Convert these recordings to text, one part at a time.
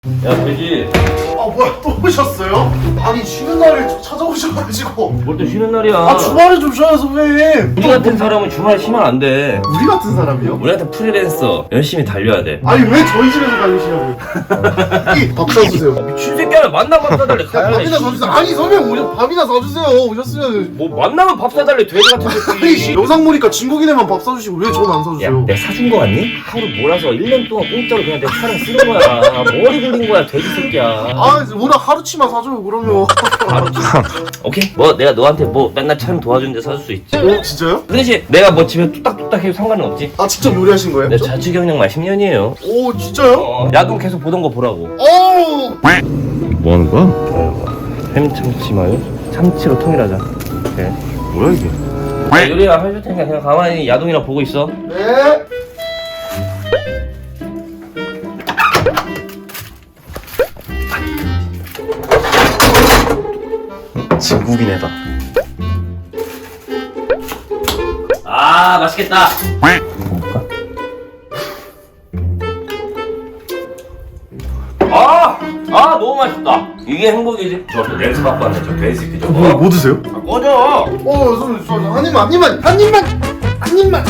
야, 돼지. 아 뭐야 또 오셨어요? 아니 쉬는 날에 찾아오셔가지고. 뭘 또 쉬는 날이야. 아 주말에 좀 쉬어요 선배님. 우리 같은 사람은 주말 쉬면 안 돼. 우리 같은 사람이요? 우리 같은 프리랜서 열심히 달려야 돼. 아니 왜 저희 집에서 달리시냐고요? 밥 사주세요. 미친 새끼야, 만나면 밥 사달래. 가야 돼. 밥이나 사주세요. 아니 선배님 밥이나 사주세요. 오셨으면. 뭐 만나면 밥 사달래, 돼지 같은 아니 새끼. 영상 보니까 진국이네만 밥 사주시고 왜 저는 안 야, 사주세요? 내가 사준 거 같니? 하루 몰아서 1년 동안 공짜로 그냥 내 차량 쓰는 거야. 머리 굴린 거야, 돼지 새끼야. 아 워낙 하루치만 사줘요 그러면. 오케이? 뭐 내가 너한테 뭐 맨날 촬영 도와주는데 사줄 수 있지. 어 진짜요? 그 대신 내가 뭐 집에 뚝딱뚝딱 해도 상관은 없지. 아 직접 요리하신 거예요? 내 자취 경력만 10년이에요. 오 진짜요? 야동 계속 보던 거 보라고. 오. 뭐 하는 거야? 햄참치 마요? 참치로 통일하자. 오케이. 뭐야 이게? 야, 요리야 해줄 테니까 그냥 가만히 야동이나 보고 있어. 네. 진국이네다. 아, 맛있겠다. 먹을까? 너무 맛있다. 이게 행복이지. 저 렌즈 받고 왔네, 저 돼지 새끼 저거. 뭐 드세요? 아, 꺼져. 선배님 한 입만.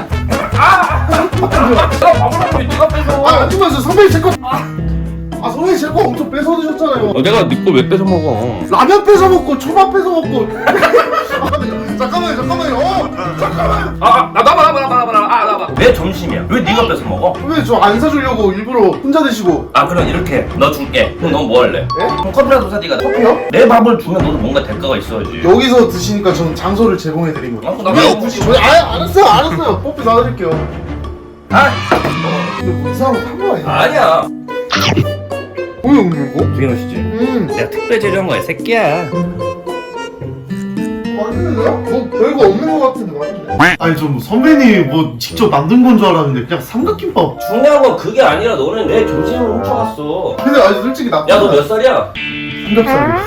내가 밥을 왜 네가 뺏어? 한 입만 줘 선배님 제 거. 선배님 제 거 엄청 뺏어 드셨잖아요. 내가 네 거 왜 뺏어 먹어? 라면 뺏어 먹고 초밥 뺏어 먹고. 잠깐만요. 잠깐만. 나봐. 내 점심이야. 왜 네가 뺏어 먹어? 왜 저 안 사주려고 일부러 혼자 드시고. 그럼 이렇게 너 줄게. 그럼 넌 뭐 할래? 예? 그럼 커피라도 사 네가. 커피요? 내 밥을 주면 너도 뭔가 대가가 있어야지. 여기서 드시니까 저는 장소를 제공해 드린 거예요. 나 왜 드시죠? 알았어요. 뽀삐 사드릴게요. 뭐 이상한 거 탄 거 아니야? 아니야. 뭐야 이거? 되게 맛있지? 내가 특별 제조한 거야, 새끼야. 맛있는데요? 뭐 별거 없는 거 같은데 맛있네. 아니 좀 선배님이 뭐 직접 만든 건 줄 알았는데 그냥 삼각김밥. 중요한 건 그게 아니라 너는 내 점심을 훔쳐갔어. 근데 아니 솔직히 나. 야, 너 몇 살이야? 삼겹살.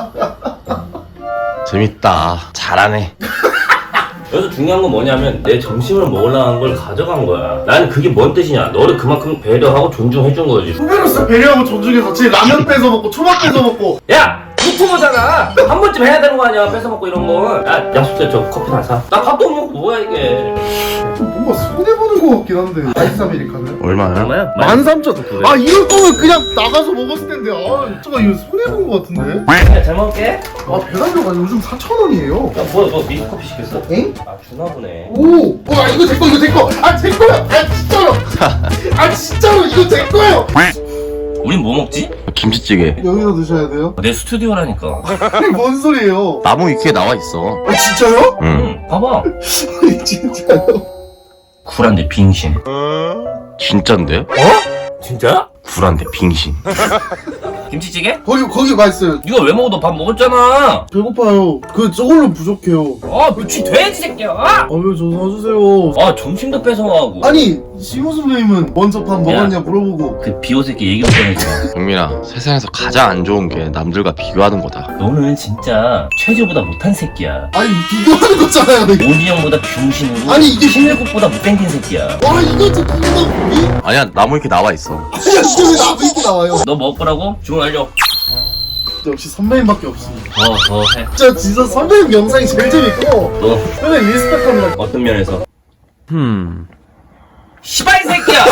재밌다. 잘하네. 여기서 중요한 건 뭐냐면 내 점심을 먹으려는 걸 가져간 거야. 나는 그게 뭔 뜻이냐? 너를 그만큼 배려하고 존중해준 거지. 후배로서 배려하고 존중해서 제 라면 뺏어 먹고 초밥 뺏어 먹고. 야! 유튜버잖아! 한 번쯤 해야 되는 거 아니야, 뺏어 먹고 이런 건. 야, 약속해, 저 커피 하나 사. 나 밥도 못 먹고 뭐야 이게. 좀 뭔가 손해보는 거 같긴 한데. 아이스 아메리카노요? 얼마야? 얼마야? 13,000원. 이럴 거면 그냥 나가서 먹었을 텐데. 잠깐 이거 손해본 거 같은데. 그냥 잘 먹을게. 배달료가 요즘 4,000원이에요. 야, 뭐야, 너 미스 커피 시켰어? 엥? 주나 보네. 오! 이거 제 거! 제 거야! 진짜로! 진짜로 이거 제 거예요! 우린 뭐 먹지? 김치찌개. 여기서 드셔야 돼요? 내 스튜디오라니까. 아니 뭔 소리예요? 나무 위키에 나와 있어. 진짜요? 응. 봐봐. 아니 진짜요? 쿨한데 빙신. 진짠데? 진짜야? 굴한데 빙신. 김치찌개? 거기 맛있어요. 네가 왜 먹어? 너 밥 먹었잖아. 배고파요. 저걸로 부족해요. 미친 돼지 새끼야. 왜 저 사주세요? 점심도 뺏어가고. 아니 시모 선배님은 먼저 밥 먹었냐 물어보고. 그 비호 새끼 얘기 못 꺼내지 마. 경민아, 세상에서 가장 안 좋은 게 남들과 비교하는 거다. 너는 진짜 최저보다 못한 새끼야. 아니 비교하는 거잖아요. 근데. 오디 형보다 병신으로. 아니, 이게- 신일국보다 못생긴 새끼야. 이거 진짜 이거 아니야, 나무 위키에 나와 있어. 아니야 진짜 왜 나도 이렇게 나와요? 너 먹을 거라고? 주문 알려. 역시 선배님밖에 없습니다. 더 해. 진짜 선배님 영상이 제일 재밌고 너 선배님 리스펙합니다. 어떤 면에서? 흠. 시발 이 새끼야.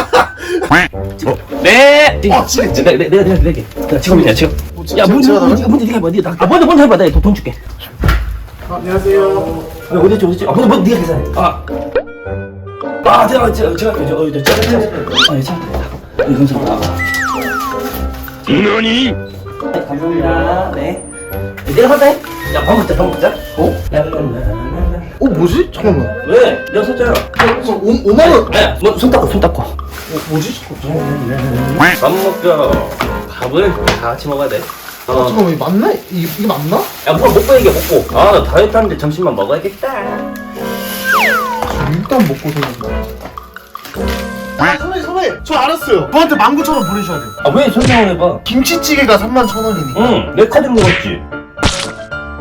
네. 진짜. 내가 지금이야 지금. 야 먼저 네가 해봐. 네가 먼저 해봐. 내가 돈 줄게. 안녕하세요. 어디지? 먼저 네가 계산해. 제가 감사합니다. 너니? 네, 감사합니다. 네. 내가 받다. 야, 밥 먹자. 뭐지? 잠깐만. 왜? 내가 샀잖아. 5만원. 네, 손 닦고. 뭐지? 밥 먹자. 밥은 다 같이 먹어야 돼. 잠깐만 이거 맞나? 이게 맞나? 야, 뭘 먹고 얘기해, 먹고. 나 다이어트 하는데 점심만 먹어야겠다. 일단 먹고 생각나. 선배님 저 알았어요. 저한테 19,000원 보내셔야 돼요. 왜 설명을 해봐? 김치찌개가 31,000원이니까. 응, 내 카드 먹었지.